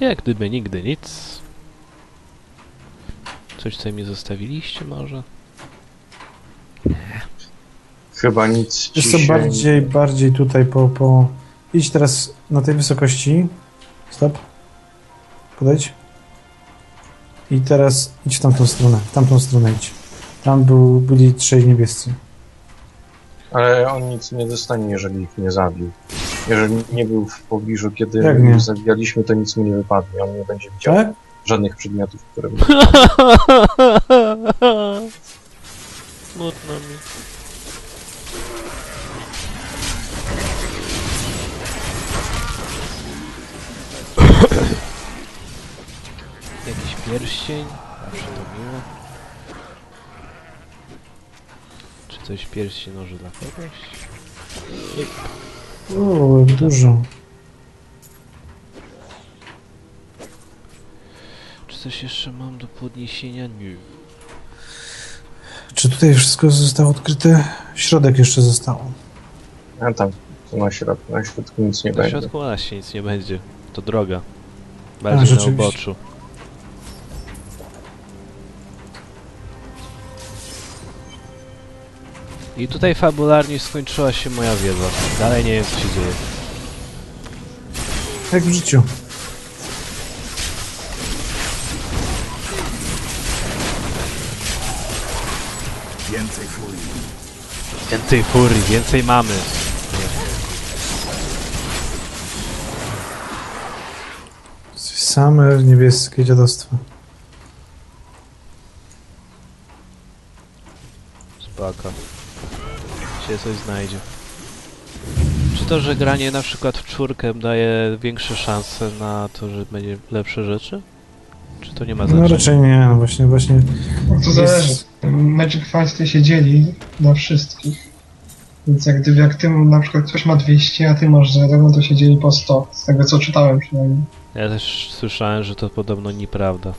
Jak gdyby nigdy nic. Coś tutaj mi zostawiliście może? Chyba nic ci Jest to się... bardziej tutaj Idź teraz na tej wysokości. Stop. Podejdź. I teraz idź w tamtą stronę. W tamtą stronę idź. Tam byli trzej niebiescy. Ale on nic nie dostanie, jeżeli ich nie zabił. Jeżeli nie był w pobliżu, kiedy Jak my nie? ich zabijaliśmy, to nic mu nie wypadnie. On nie będzie widział Tak? żadnych przedmiotów, które... Smutno mi. Jakiś pierścień? Zawsze to miło. Czy coś pierścień może dla kogoś? O, jak dużo. Czy coś jeszcze mam do podniesienia? Nie. Czy tutaj wszystko zostało odkryte? Środek jeszcze został. A tam, to na środku nic nie Na będzie. środku właśnie nic nie będzie. To droga. A, Bardziej na rzeczywiście. uboczu. I tutaj fabularnie skończyła się moja wiedza. Dalej nie wiem, co się dzieje. Jak w życiu. Więcej furii. Więcej furii, więcej mamy. Same niebieskie dziadostwo. Spoko. Się coś znajdzie. Czy to, że granie na przykład w czwórkę daje większe szanse na to, że będzie lepsze rzeczy? Czy to nie ma znaczenia? No raczej nie, no właśnie. To zależy. Magic Fasty się dzieli na wszystkich. Więc jak ty na przykład ktoś ma 200, a ty masz 0, no to się dzieli po 100. Z tego co czytałem przynajmniej. Ja też słyszałem, że to podobno nieprawda.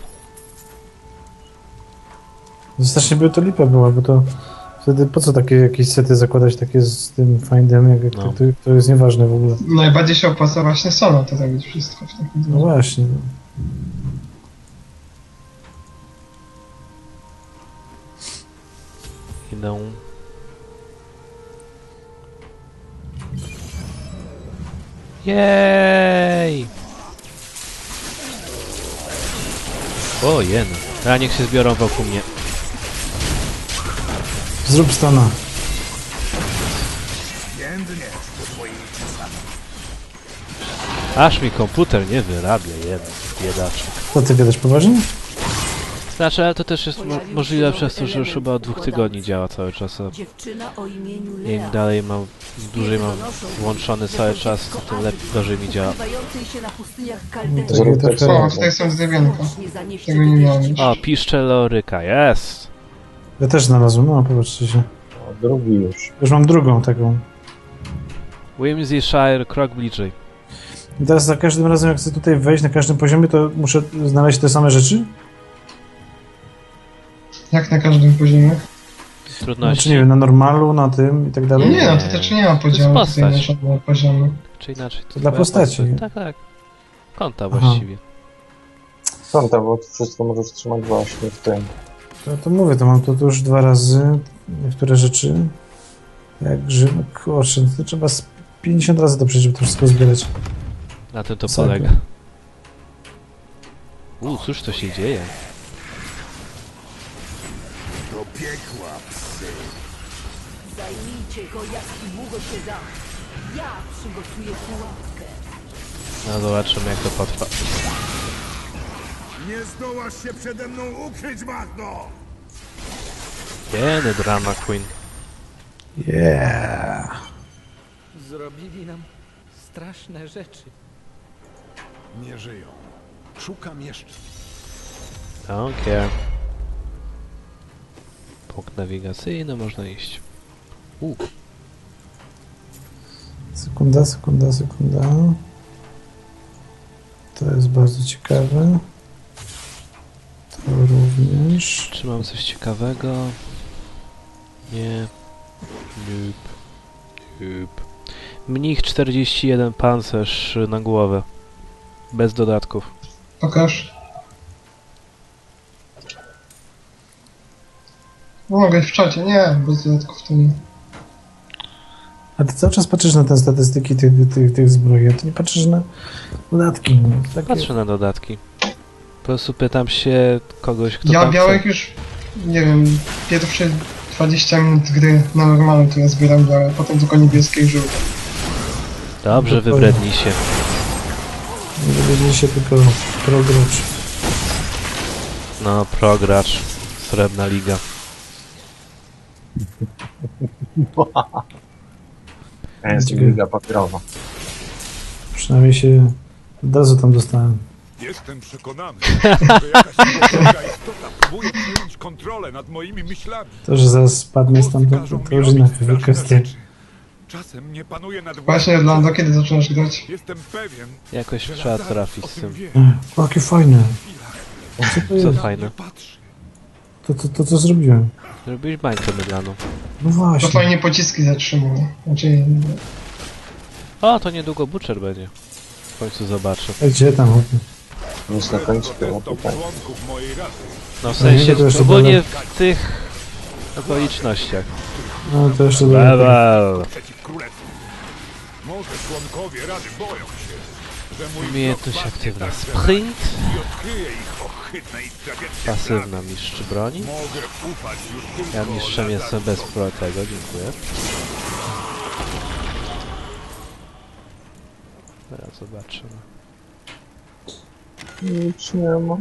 Strasznie by to lipa była, bo to wtedy po co takie jakieś sety zakładać takie z tym findem, jak No. to jest nieważne w ogóle. Najbardziej się opłaca właśnie solo to zrobić wszystko w takim No właśnie. No. Idę. Jej! O, jen. A niech się zbiorą wokół mnie. Zrób stana. Jędnie do twojej przesady. Aż mi komputer nie wyrabia, jeden biedaczek. Co ty gadasz poważnie? Znaczy, ale to też jest możliwe przez to, że już chyba od 2 tygodni działa cały czas. A Dziewczyna o imieniu im Lea, dalej mam, dłużej mam włączony cały czas, to tym lepiej, gorzej mi działa. ukrywającej się na pustyniach No, Kaldera. Zrób tak tak samo. samo. O, tutaj są zdrowionka. Właśnie zanieść Tego nie miałem już. O, piszcze loryka, jest! Ja też znalazłem, no popatrzcie się. O, drugi już. Już mam drugą taką. Whimsyshire, krok bliżej. I teraz za każdym razem jak chcę tutaj wejść na każdym poziomie, to muszę znaleźć te same rzeczy? Jak na każdym poziomie. Trudności. Znaczy nie wiem, na normalu, na tym i tak dalej? Nie, no to też nie ma podziału jest tutaj na postać. żadne poziomy. Czy inaczej. To dla twoja postaci, postać. nie? Tak, tak. Konta Aha. właściwie. Są tam, bo wszystko możesz trzymać właśnie w tym. To mówię, to mam to już 2 razy niektóre rzeczy. Jak Rzym, no kurczę, to trzeba z 50 razy to przejść, żeby to wszystko zbierać. Na tym to Sakra. polega. Cóż to się dzieje? Do piekła, psy. Zajmijcie go, jak długo się da. Ja przygotuję pułapkę. No zobaczymy jak to potrwa. Nie zdołasz się przede mną ukryć, Magno! Jeny drama queen. Yeah! Zrobili nam straszne rzeczy. Nie żyją. Szukam jeszcze. Don't care. Punkt nawigacyjny, można iść. Sekunda. To jest bardzo ciekawe. To również. Czy mam coś ciekawego? Nie. Nope. Mnich 41 pancerz na głowę. Bez dodatków. Pokaż. Mogę w czacie, nie, bez dodatków to nie. A ty cały czas patrzysz na te statystyki tych zbroi, a ty nie patrzysz na dodatki. No. Takie... Patrzę na dodatki. Po prostu pytam się kogoś, kto Ja tam białek chce. już, nie wiem, pierwsze 20 minut gry na normalu to ja zbieram białe, potem tylko niebieskie i żółte. Dobrze, wybrednij się. Nie dowiedzieli się tylko progracz. No, progracz. Srebrna liga. Jest liga papierowa. Przynajmniej się od razu tam dostałem. Jestem przekonany, że jakaś niebożątka istota próbuje przejąć kontrolę nad moimi myślami. To, że zaraz spadnie stamtąd, Każą to mi już robić inna straszne kwestia. rzeczy. Czasem nie panuje nad Właśnie, Orlando, kiedy zaczynasz grać? Jestem pewien, Jakoś że trzeba Lazarus trafić o z tym tym. wie. Jakie fajne. Co to Co jest? fajne. Patrzy. To co zrobiłem? Zrobiłeś bańkę mydlaną. No To właśnie. fajnie pociski zatrzymuje. Znaczy, O, to niedługo Butcher będzie. W końcu zobaczę. A gdzie tam chłopie? Nic na końcu było To tutaj. członków mojej rasy. No w No nie, sensie to jeszcze ogólnie w tych okolicznościach. No to jeszcze dalej. Brawo! Przeciw królestwu. Może członkowie rady boją się, że mój Umiejętność wzrok aktywna. padnie tak, że Sprint. i odkryje ich ohydne i tragiczne Pasywna mistrz broni. plany. Mogę ufać już tylko Ja mistrzem jestem bez Lazarusowi. pro tego, dziękuję. Teraz zobaczymy. Nic nie ma.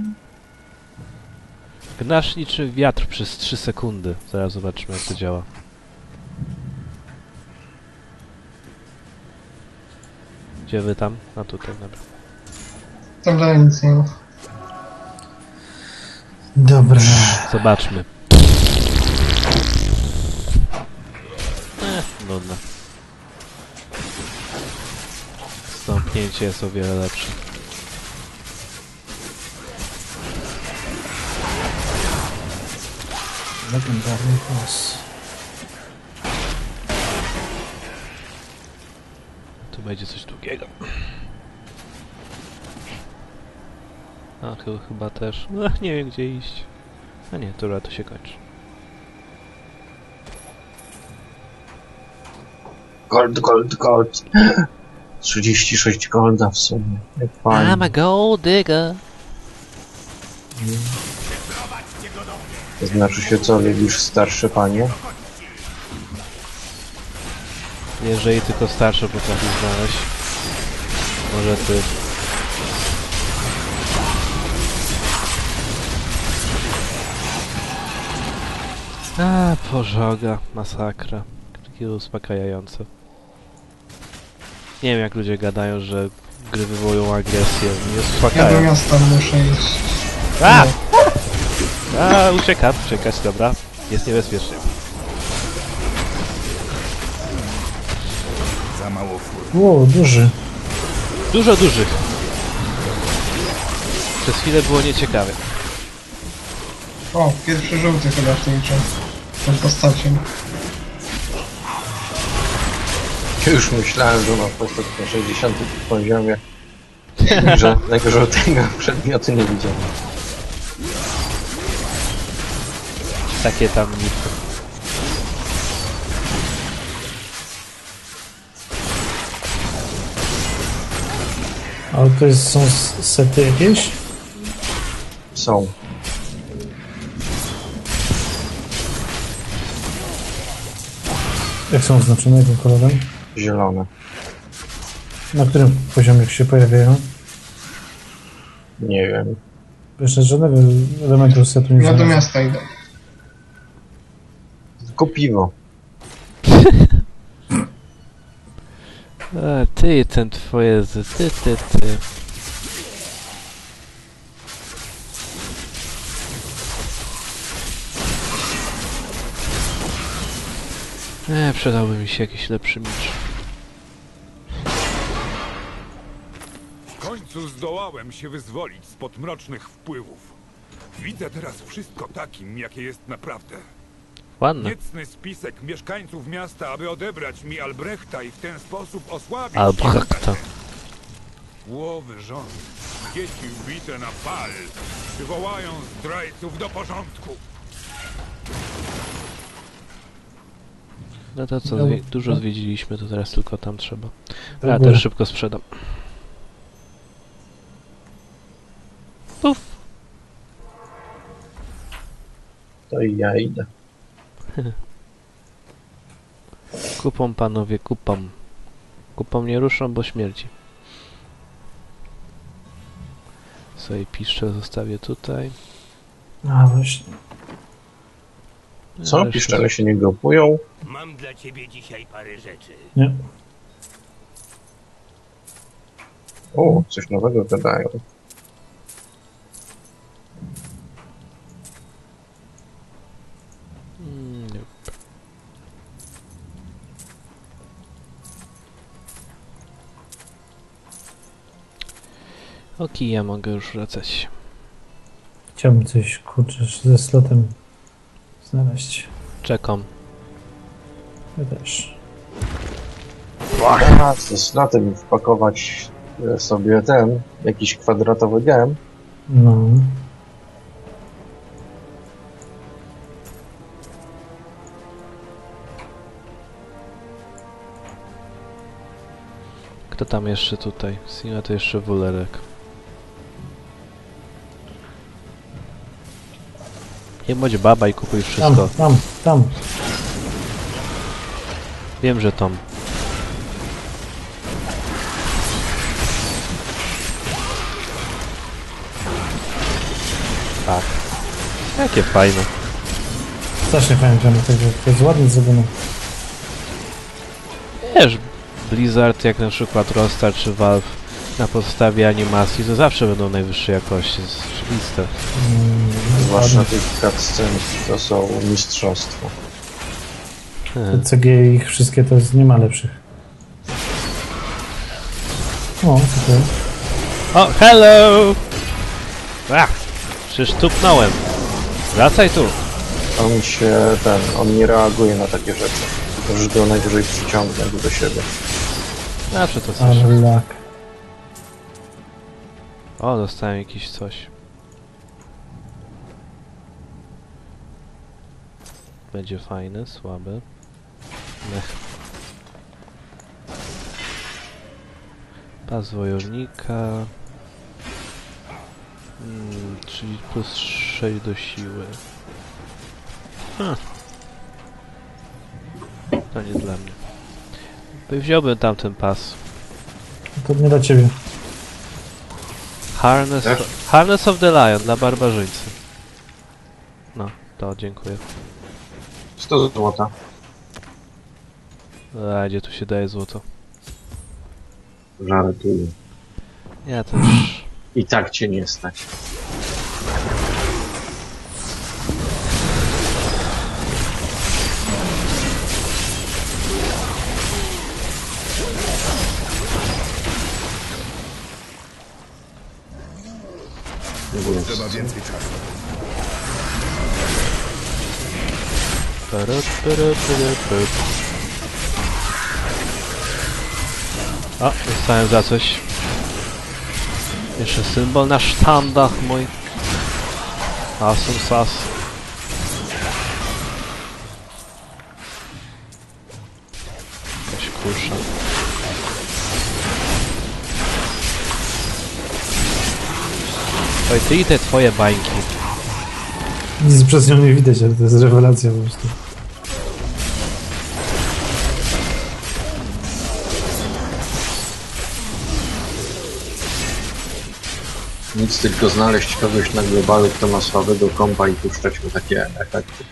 Gnasz niczym wiatr przez 3 sekundy. Zaraz zobaczymy jak to działa. Gdzie wy tam? A tutaj, dobra. tam dalej nic nie ma. Dobra. Zobaczmy. Nudne. Stąpnięcie jest o wiele lepsze. Legendarny boss. Tu będzie coś długiego. A chyba też. No, nie wiem gdzie iść. A nie, dobra, to się kończy. Gold, gold, gold. 36 golda w sumie. Jak fajnie. I'm a gold digger. To znaczy się co, lubisz starsze panie? Jeżeli tylko starsze potrafi znaleźć. Może ty. A, pożoga, masakra. Takie uspokajające. Nie wiem jak ludzie gadają, że gry wywołują agresję. Nie Ja do uspokajają. miasta muszę iść. A! A, uciekać, dobra. Jest niebezpiecznie. Za mało fur. Ło, duży. Dużo dużych. Przez chwilę było nieciekawe. O, pierwszy żółty chyba w tej grze. Tą postacią. Już myślałem, że mam postać na 60 poziomie. Żadnego żółtego przedmiotu nie widziałem. Takie tam nitki. Ale to jest, są sety jakieś? Są. Jak są oznaczone, jakim kolorem? Zielone. Na którym poziomie się pojawiają? Nie wiem. Jeszcze żadnego elementu setu nie Ja do znalazłem. miasta idę. Tylko piwo. A, ty i ten twoje ty. Przydałby mi się jakiś lepszy miecz. W końcu zdołałem się wyzwolić spod mrocznych wpływów. Widzę teraz wszystko takim, jakie jest naprawdę. Ładne. Niecny spisek mieszkańców miasta, aby odebrać mi Albrechta i w ten sposób osłabić Albrechta. Łowy rząd. dzieci ubite na pal przywołają zdrajców do porządku. No to co, No, dużo no. zwiedziliśmy, to teraz tylko tam trzeba. To Ja było. też szybko sprzedam. Puf! To i ja idę. Kupą, panowie, kupą. Kupą nie ruszą, bo śmierdzi. Sobie piszczel zostawię tutaj. A właśnie. Co? Ale Piszczele się nie grupują? Mam dla ciebie dzisiaj parę rzeczy. Nie. O, coś nowego gadają. Nie. Okej, ja mogę już wracać. Chciałbym coś, kurczę, ze slotem znaleźć. Czekam. Ja też. A, ze slotem wpakować sobie ten, jakiś kwadratowy gem. No. Kto tam jeszcze tutaj? Sina to jeszcze wulerek. Nie bądź baba i kupuj wszystko. Tam. Wiem, że Tom. Tak. Jakie fajne. Strasznie fajnie to jest ładnie zrobione. Wiesz, Blizzard jak na przykład Rockstar czy Valve na podstawie animacji to zawsze będą najwyższej jakości. To jest oczywiste. Zwłaszcza tych cutscen, to są mistrzostwo. Te CG ich wszystkie to nie ma lepszych. O, tutaj. O, hello! Ach, przecież tupnąłem. Wracaj tu. On nie reaguje na takie rzeczy. Możesz go najwyżej przyciągnąć do siebie. Zawsze to coś. Ale lak. O, dostałem jakiś coś. Będzie fajny, słaby. Mech. Pas wojownika. Czyli plus 6 do siły. To nie dla mnie. Wziąłbym tamten pas. To nie dla ciebie. Harness of the Lion dla barbarzyńcy. No, to dziękuję. 100 złota. A gdzie tu się daje złoto? Żartuję. Ja też. I tak cię nie stać. Trzeba więcej czasu. O, dostałem za coś. Jeszcze symbol na sztandach mój. Asum sas. Jakaś kusza. Oj, ty i te twoje bańki. Nic przez nią nie widać, ale to jest rewelacja po prostu. Nic, tylko znaleźć kogoś na globalu, kto ma słabego kompa i puszczać mu takie efekty.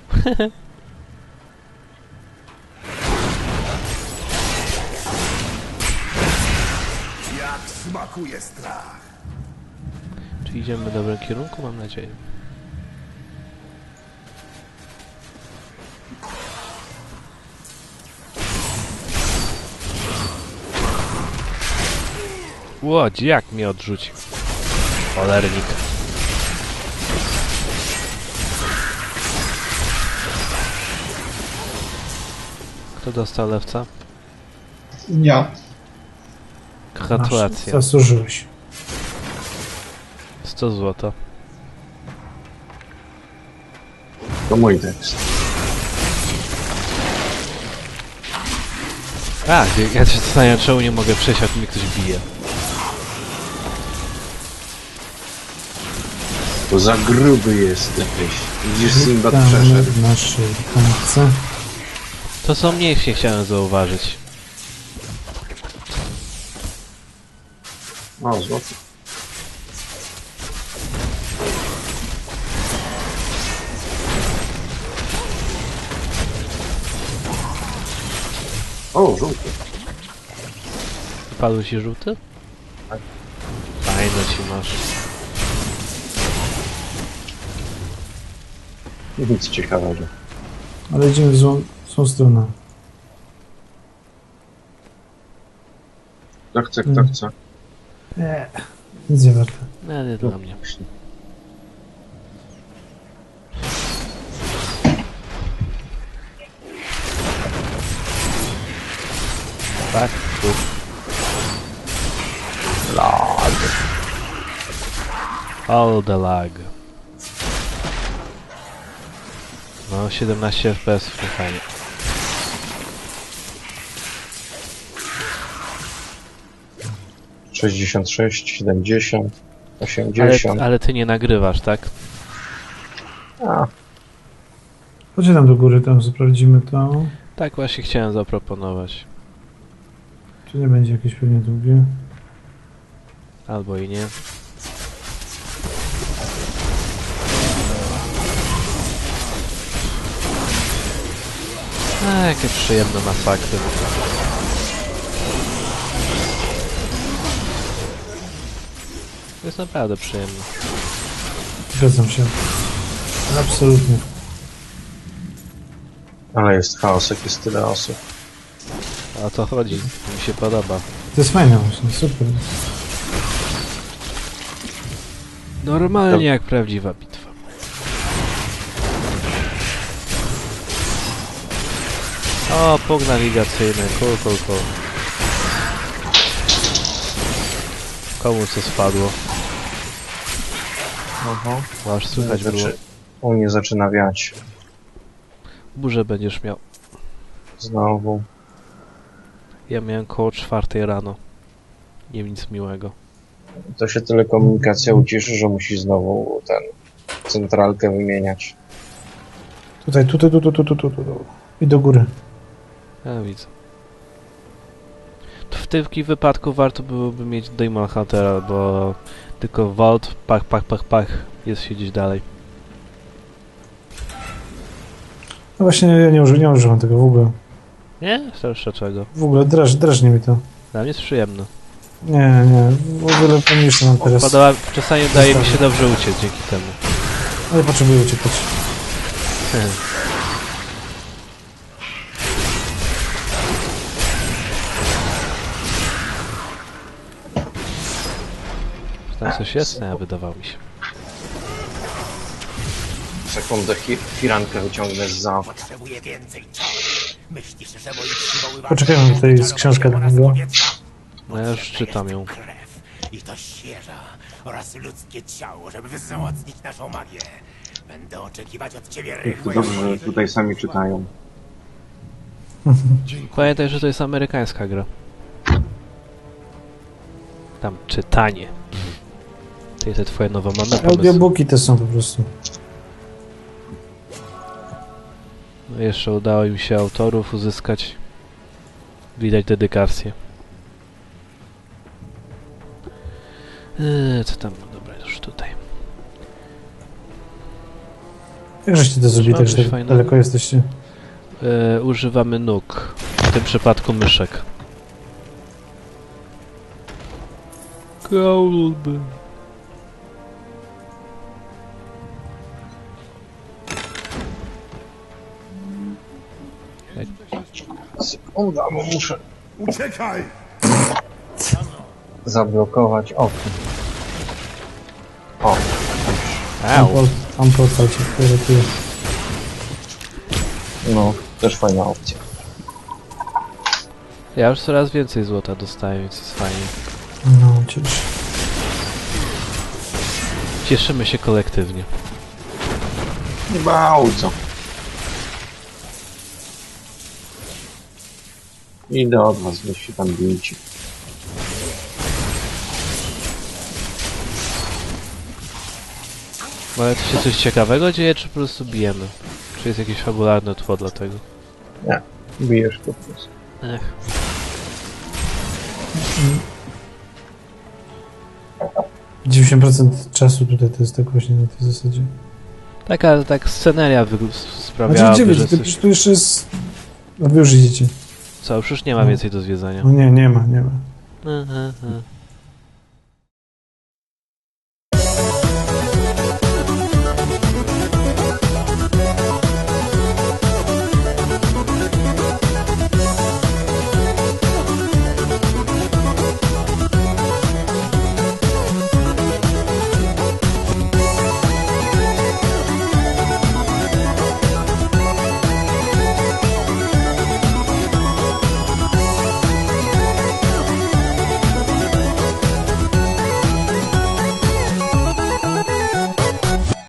Jak smakuje strach. Czy idziemy w dobrym kierunku? Mam nadzieję. Łodź, jak mnie odrzucił. Cholernik. Kto dostał lewca? Ja. Gratulacje. Zasłużyłeś. 100 złota. To mój tekst. A, ja się zastanawiam, czemu nie mogę przejść, jak mnie ktoś bije. Bo za gruby jesteś. Widzisz, Sinbad przeszedł. w naszej końce. To co mniejsze chciałem zauważyć. O, złoty. O, żółty. Padł ci żółty? Tak. Fajno ci masz. Nic ciekawego. Ale idziemy w złą stronę. Kto chce? Nie, nic nie warte. Nie dla mnie. Tak? Lag. All the lag. No, 17 FPS, to fajnie. - 66, 70, 80. Ale ty nie nagrywasz, tak? A, Chodźcie tam do góry, tam sprawdzimy to. Tak właśnie chciałem zaproponować. Czy nie będzie jakieś pewnie długie? Albo i nie. Jakie przyjemne masakry. To jest naprawdę przyjemne. Zgadzam się. Absolutnie. ale jest chaos, jak jest tyle osób. A o to chodzi, mi się podoba. To jest fajne właśnie, super. Normalnie jak prawdziwa bitwa. O, punkt nawigacyjny, cool. Komu co spadło? Aha. Aż słychać było. U mnie zaczyna wiać. Burzę będziesz miał. Znowu. Ja miałem koło 4 rano. Nie nic miłego. To się telekomunikacja ucieszy, że musi znowu centralkę wymieniać. Tutaj, tu. I do góry. Ja widzę. W tym wypadku warto byłoby mieć Demon Huntera, bo tylko Vault, pach, jest siedzieć dalej. No właśnie, ja nie używam tego w ogóle. Nie? Starsze czego? W ogóle drażni mi to. Dla mnie jest przyjemne. Nie, w ogóle pomniejsze mam teraz. Czasami daje mi się dobrze uciec dzięki temu. Ale potrzebuję uciekać. Tam coś jest? Nie, wydawało mi się. Sekundę, firankę wyciągnę z za. Potrzebuję więcej czasu. Myślisz, że moi przywoływacze... Poczekajmy, tutaj jest książka dla niego. No ja już czytam ją. Krew i to świeża oraz ludzkie ciało, żeby wzmocnić naszą magię. Będę oczekiwać od ciebie To rychłej dobrze, że tutaj sami czytają. Pamiętaj, że to jest amerykańska gra. Tam czytanie. Te twoje nowe mamy pomysły. Audiobooki te są po prostu. No jeszcze udało im się autorów uzyskać. Widać dedykację. Co tam? Dobra, już tutaj. Jak żeście to zrobili, tak coś że tak fajnego? daleko jesteście? Używamy nóg. W tym przypadku myszek. Kolby. Sekunda, bo muszę Uciekaj! zablokować okno. O, Au. Tam portal cię ratuje. no, też fajna opcja. Ja już coraz więcej złota dostaję, więc jest fajnie. No, cieszę. Cieszymy się kolektywnie. Nie bardzo. Idę od was, weź się tam bijcie. Ale tu się coś ciekawego dzieje, czy po prostu bijemy? Czy jest jakieś fabularne tło dla tego? Nie, bijesz po prostu. Ech. Mm. 90% czasu tutaj to jest tak właśnie na tej zasadzie. Taka tak sceneria sprawiała, Znaczy, gdzie że wiecie, coś... tu jeszcze jest... No wy już idziecie. Co, już nie ma No. więcej do zwiedzania. No nie ma. Aha.